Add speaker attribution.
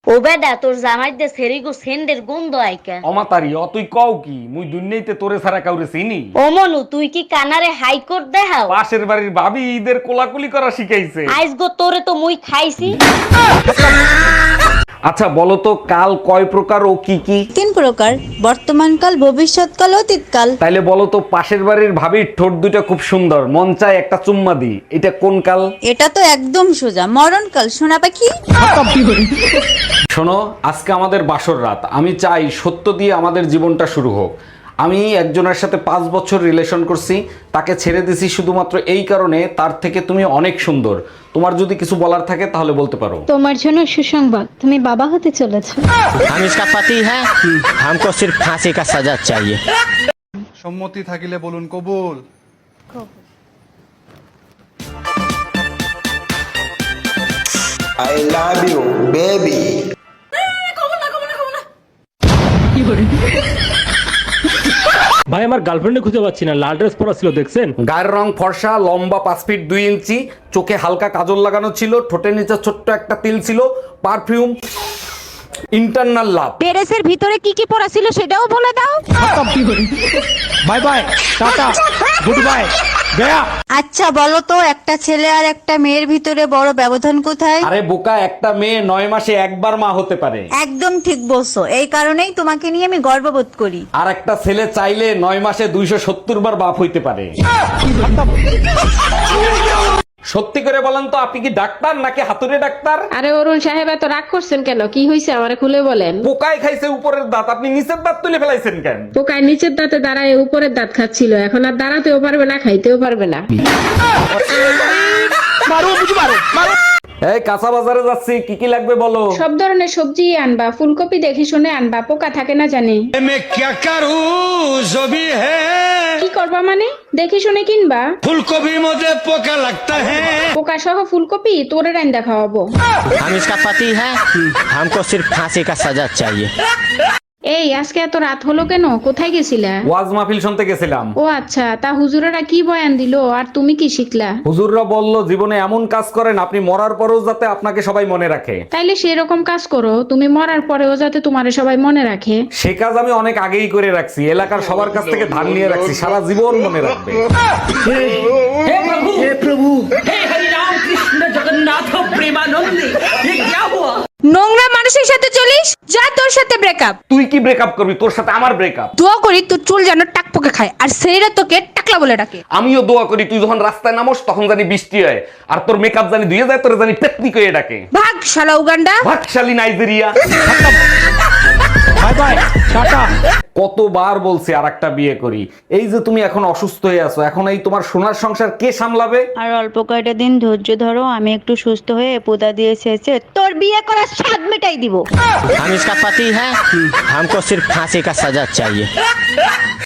Speaker 1: ও বেডা তোর জামাই দে সেরিগো সেন্ডের গন্ধ আইকা।
Speaker 2: অমাতারি তুই কও কি মুই দুনিয়াইতে তোরে ছাড়া কাউরে চিনি?
Speaker 1: ও মনু তুই কি কানারে হাইকোর্ট দেখাও?
Speaker 2: পাশের বাড়ির ভাবি ঈদের কোলাকুলি করা শিখাইছে।
Speaker 1: আইস গো তোরে তো মুই খাইছি।
Speaker 2: আচ্ছা বলো তো কাল কয় প্রকার ও কি কি?
Speaker 3: 3 প্রকার, বর্তমানকাল, ভবিষ্যৎকাল, অতীতকাল।
Speaker 2: তাইলে বলো তো পাশের বাড়ির ভাবির ঠোঁট দুটো খুব সুন্দর, মন চায় একটা চুম্মা দি, এটা কোন কাল?
Speaker 3: এটা তো একদম সোজা, মরণকাল। সোনা পাখি।
Speaker 2: শোনো, আজকে আমাদের বাসর রাত, আমি চাই সত্য দিয়ে আমাদের জীবনটা শুরু হোক। আমি একজনের সাথে 5 বছর রিলেশন করছি, তাকে ছেড়ে দিছি শুধুমাত্র এই কারণে তার থেকে তুমি অনেক সুন্দর। তোমার যদি কিছু বলার থাকে তাহলে বলতে পারো।
Speaker 4: তোমার জন্য সুসংবাদ, তুমি বাবা হতে চলেছো।
Speaker 5: हम इसका पति है, हमको सिर्फ फांसी का सजा चाहिए।
Speaker 6: সম্মতি থাকিলে বলুন কবুল।
Speaker 7: I love you, baby.
Speaker 8: ভাই আমার গার্লফ্রেন্ডে খুঁজে পাচ্ছি না, লাল ড্রেস পরা ছিল দেখছেন?
Speaker 2: গায়ের রং ফর্সা, লম্বা 5 ফিট 2 ইঞ্চি, চোখে হালকা কাজল লাগানো ছিল, ঠোঁটের নিচে ছোট্ট একটা তিল ছিল, পারফিউম, ইন্টারনাল লাভ।
Speaker 4: পেরেসের ভিতরে কি কি পড়া ছিল সেটাও বলে দাও।
Speaker 8: Bye bye, tata, good bye, গয়া।
Speaker 3: আচ্ছা বলো তো, একটা ছেলে আর একটা মেয়ের ভিতরে বড় ব্যবধান কোথায়?
Speaker 2: আরে বোকা, একটা মেয়ে 9 মাসে একবার মা হতে পারে।
Speaker 3: একদম ঠিক বলছো, এই কারণেই তোমাকে নিয়ে আমি গর্ববোধ করি।
Speaker 2: আর একটা ছেলে চাইলে 9 মাসে 270 বার বাপ হইতে পারে। সত্যি করে বলেন তো, আপনি কি ডাক্তার নাকি হাতুড়ে ডাক্তার?
Speaker 9: আরে অরুণ সাহেব এত রাগ করছেন কেন? কি হয়েছে আমারে খুলে বলেন।
Speaker 2: পোকায় খাইছে উপরের দাঁত, আপনি নিচের দাঁত তুলে ফেলাইছেন কেন?
Speaker 9: পোকায় নিচের দাঁতে দাঁড়ায় উপরের দাঁত খাচ্ছিল, এখন আর দাঁড়াতেও পারবে না, খাইতেও পারবে না।
Speaker 2: এই কাঁচা বাজারে যাচ্ছি, কি কি লাগবে বলো?
Speaker 9: সব ধরনের সবজি আনবা, ফুলকপি দেখে শুনে আনবা, পোকা থাকে না জানি। কি করবা মানে? দেখে শুনে কিনবা।
Speaker 5: फूलगोभी मुझे पोका लगता है।
Speaker 9: পোকা সহ ফুলকপি তোরে রান্দা খাওয়াবো।
Speaker 5: हम इसका पति है, हमको सिर्फ फांसी का सजा चाहिए।
Speaker 9: এই আজকে এত রাত হলো কেন? কোথায় গেছিলা?
Speaker 2: ওয়াজ মাহফিল শুনতে গেছিলাম।
Speaker 9: ও আচ্ছা, তা হুজুরেরা কি বয়ান দিলো আর তুমি কি শিখলা?
Speaker 2: হুজুররা বলল জীবনে এমন কাজ করেন আপনি মরার পরেও যাতে আপনাকে সবাই মনে রাখে।
Speaker 9: তাইলে সেরকম কাজ করো, তুমি মরার পরেও যাতে তোমারে সবাই মনে রাখে।
Speaker 2: সে কাজ আমি অনেক আগেই করে রাখছি, এলাকার সবার কাছ থেকে ধার নিয়ে রাখছি, সারা জীবন মনে রাখবে।
Speaker 4: নোংরা মানুষের সাথে চলিস, যা তোর সাথে ব্রেকআপ।
Speaker 2: তুই কি ব্রেকআপ করবি? তোর সাথে আমার ব্রেকআপ।
Speaker 4: দোয়া করি তোর চুল যেন টাকপোকে খায় আর সেইরা তোকে টাকলা বলে ডাকে।
Speaker 2: আমিও দোয়া করি তুই যখন রাস্তায় নামোস তখন জানি বৃষ্টি হয়, আর তোর মেকআপ জানি ধুয়ে যায়, তোর জানি টেকনিক হয়ে ডাকে।
Speaker 4: ভাগ শালা উগান্ডা।
Speaker 2: ভাগশালী নাইজেরিয়া।
Speaker 8: Bye bye, tata.
Speaker 2: কতবার বলছি আর একটা বিয়ে করি, এই যে তুমি এখন অসুস্থ হয়ে আছো, এখন এই তোমার সোনার সংসার কে সামলাবে?
Speaker 3: আর অল্প কয়টা দিন ধৈর্য ধরো, আমি একটু সুস্থ হয়ে পোদা দিয়ে শেষে তোর বিয়ে করার স্বাদ মেটাই দিব।
Speaker 5: हम इसका पति है, हमको सिर्फ फांसी का सजा चाहिए।